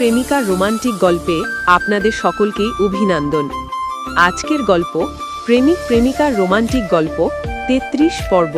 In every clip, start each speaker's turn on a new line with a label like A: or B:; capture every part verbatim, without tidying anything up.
A: প্রেমিকার রোমান্টিক গল্পে আপনাদের সকলকেই অভিনন্দন। আজকের গল্প প্রেমিক প্রেমিকার রোমান্টিক গল্প তেত্রিশ পর্ব।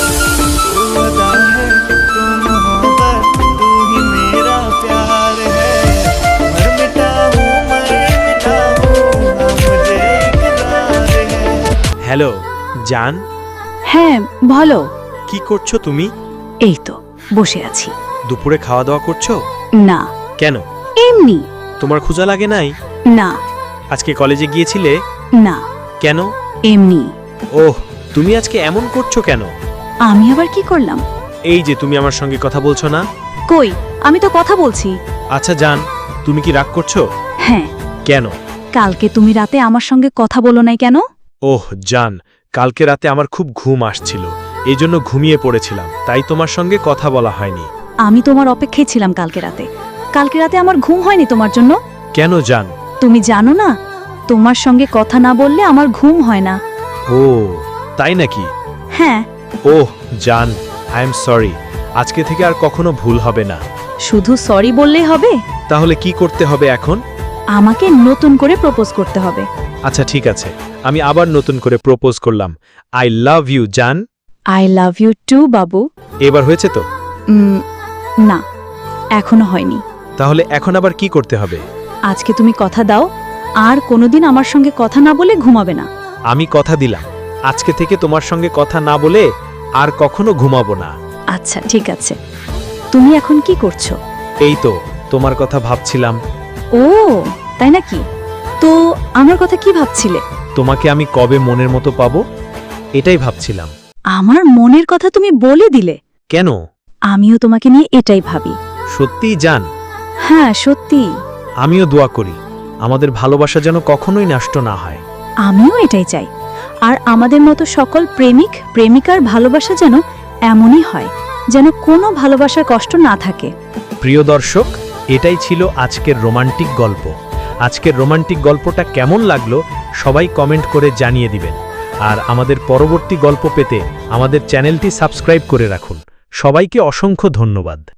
B: হ্যালো জান।
C: হ্যাঁ বলো।
B: কি করছো তুমি?
C: এই তো বসে আছি।
B: দুপুরে খাওয়া দাওয়া করছো?
C: না।
B: কেন?
C: এমনি।
B: তোমার ক্ষুধা লাগে নাই?
C: না।
B: আজকে কলেজে গিয়েছিলে?
C: না।
B: কেন?
C: এমনি।
B: ওহ, তুমি আজকে এমন করছো কেন?
C: আমি আবার কি করলাম?
B: এই যে তুমি আমার সঙ্গে কথা বলছো না।
C: কই, আমি তো কথা বলছি।
B: আচ্ছা জান, তুমি কি রাগ করছো?
C: হ্যাঁ।
B: কেন?
C: কালকে তুমি রাতে আমার সঙ্গে কথা বলো নাই কেন?
B: ওহ জান, কালকে রাতে আমার খুব ঘুম আসছিল, এই জন্য ঘুমিয়ে পড়েছিলাম, তাই তোমার সঙ্গে কথা বলা হয়নি।
C: আমি তোমার অপেক্ষায় ছিলাম কালকে রাতে। কালকে রাতে আমার ঘুম হয়নি তোমার জন্য।
B: কেন জান?
C: তুমি জানো না, তোমার সঙ্গে কথা না বললে আমার ঘুম হয় না।
B: ও তাই নাকি?
C: হ্যাঁ।
B: ওহ জান, আই এম সরি, আজকে থেকে আর কখনো ভুল হবে না।
C: শুধু সরি বললেই হবে?
B: তাহলে কি করতে হবে এখন?
C: আমাকে নতুন করে প্রপোজ করতে হবে।
B: আচ্ছা ঠিক আছে, আমি আবার নতুন করে প্রপোজ করলাম। আই লাভ ইউ জান।
C: আই লাভ ইউ টু বাবু।
B: এবার হয়েছে তো?
C: উম, না, এখনো হয়নি।
B: তাহলে এখন আবার কি করতে হবে?
C: আজকে তুমি কথা দাও, আর কোনোদিন আমার সঙ্গে কথা না বলে ঘুমাবে না।
B: আমি কথা দিলাম, আজকে থেকে তোমার সঙ্গে কথা না বলে আর কখনো ঘুমাবো না।
C: আচ্ছা ঠিক আছে। তুমি এখন কি করছো?
B: এই তো তোমার কথা ভাবছিলাম।
C: ও তাই নাকি? তো আমার কথা কি ভাবছিলে?
B: তোমাকে আমি কবে মনের মতো পাবো, এটাই ভাবছিলাম।
C: আমার মনের কথা তুমি বলে দিলে।
B: কেন?
C: আমিও তোমাকে নিয়ে এটাই ভাবি।
B: সত্যিই জান?
C: হ্যাঁ সত্যি।
B: আমিও দোয়া করি আমাদের ভালোবাসা যেন কখনোই নষ্ট না হয়।
C: আমিও এটাই চাই। আর আমাদের মতো সকল প্রেমিক প্রেমিকার ভালোবাসা যেন এমনই হয়, যেন কোনো ভালোবাসার কষ্ট না থাকে।
B: প্রিয় দর্শক, এটাই ছিল আজকের রোমান্টিক গল্প। আজকের রোমান্টিক গল্পটা কেমন লাগলো সবাই কমেন্ট করে জানিয়ে দিবেন। আর আমাদের পরবর্তী গল্প পেতে আমাদের চ্যানেলটি সাবস্ক্রাইব করে রাখুন। সবাইকে অসংখ্য ধন্যবাদ।